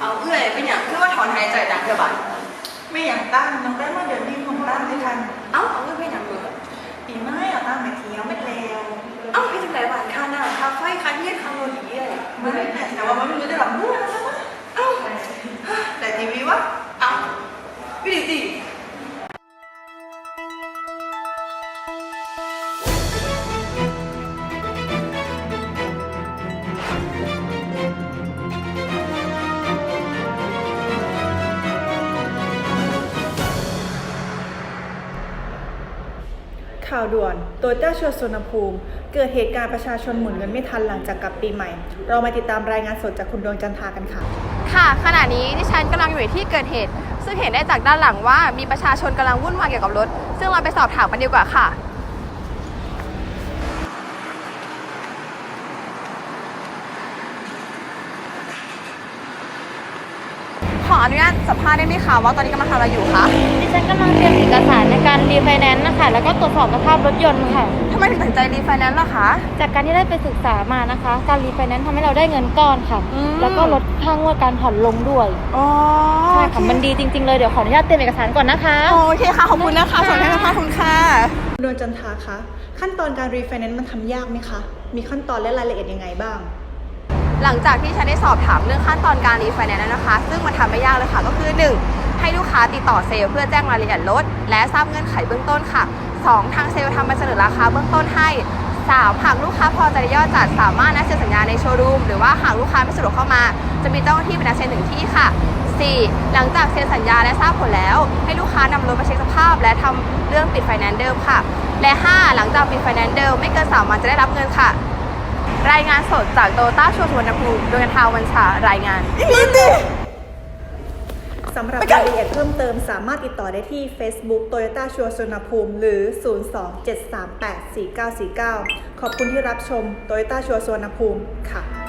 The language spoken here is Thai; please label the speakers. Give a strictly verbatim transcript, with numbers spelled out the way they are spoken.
Speaker 1: เอาเอื้อยเป็นอย่างคือว่าถอนหายใจดังเท่าบัด
Speaker 2: ไม่อย่างตั้งน้องได้มาเดือนนี้ของตั้งด้วยกัน
Speaker 1: เอ้าเอาเอื้อยเป็นอย่างเหมือ
Speaker 2: ปีไม้เอาตั้งมาเที่ยวไม่เลว
Speaker 1: เอ้าพี่จังไรบ้านค่าหน้าค่าไฟค่าเยี่ยค่าโรดีอะไร
Speaker 2: ไม่แต่ว่ามันไม่รู้จะหลับมั่วแล้วนะ
Speaker 1: เอ้า
Speaker 2: แต่ทีวีวะ
Speaker 1: เอ้าพี่ดิสิ
Speaker 3: ข่าวด่วนโตโยต้าชัวร์สุวรรณภูมิเกิดเหตุการณ์ประชาชนหมุนเงินไม่ทันหลังจากกลับปีใหม่เรามาติดตามรายงานสดจากคุณดวงจันทรากันค่ะ
Speaker 4: ค่ะขณะนี้ดิฉันกำลังอยู่ในที่เกิดเหตุซึ่งเห็นได้จากด้านหลังว่ามีประชาชนกำลังวุ่นวายเกี่ยวกับรถซึ่งเราไปสอบถามกันดีกว่าค่ะขออนุญาตสัมภาษณ์ได้ไหมคะว่าตอนนี้กำลังทำอะไรอยู่คะ
Speaker 5: ดิฉันกำลังเตรียมเอกสารในการรีไฟแนนซ์นะคะแล้วก็ตรวจสอบสภาพรถยนต์ค่ะ
Speaker 4: ทำไมถึงตัดสินใจรีไฟแนนซ์ล่ะคะ
Speaker 5: จากการที่ได้ไปศึกษามานะคะการรีไฟแนนซ์ทำให้เราได้เงินก้อนค่ะแล้วก็ลดค่างวดการผ่อนลงด้วย
Speaker 4: อ๋อ
Speaker 5: ใช่ค่ะมันดีจริงๆเลยเดี๋ยวขออนุญาตเตรียมเอกสารก่อนนะคะ
Speaker 4: โอเคค่ะขอบคุณนะคะสวัสดีค่ะคุณค่ะ
Speaker 3: ดวงจันทราคะขั้นตอนการรีไฟแนนซ์มันทำยากไหมคะมีขั้นตอนและรายละเอียดยังไงบ้าง
Speaker 4: หลังจากที่ฉันได้สอบถามเรื่องขั้นตอนการรีไฟแนนซ์แล้วนะคะซึ่งมันทำไม่ยากเลยค่ะก็คือหนึ่งให้ลูกค้าติดต่อเซลล์เพื่อแจ้งรายละเอียดรถและทราบเงื่อนไขเบื้องต้นค่ะสองทางเซลล์ทำใบเสนอราคาเบื้องต้นให้สามหากลูกค้าพอใจในยอดจัดสามารถนัดเซ็นสัญญาในโชว์รูมหรือว่าหากลูกค้าไม่สะดวกเข้ามาจะมีเจ้าหน้าที่เป็นนัดเซ็นถึงที่ค่ะสี่หลังจากเซ็นสัญญาและทราบผลแล้วให้ลูกค้านำรถมาเช็คสภาพและทำเรื่องปิดไฟแนนซ์เดิมค่ะและห้าหลังจากปิดไฟแนนซ์เดิมไม่เกินสามวันจะได้รับเงินค่ะรายงานสดจากโตโยต้าชัวร์สุวรรณภูมิโดยทาวันชารายงาน
Speaker 3: สำหรับรายละเอียดเพิ่มเติมสามารถติดต่อได้ที่ Facebook โตโยต้าชัวร์สุวรรณภูมิหรือ ศูนย์ สอง เจ็ด สาม แปด สี่ เก้า สี่ เก้า ขอบคุณที่รับชมโตโยต้าชัวร์สุวรรณภูมิค่ะ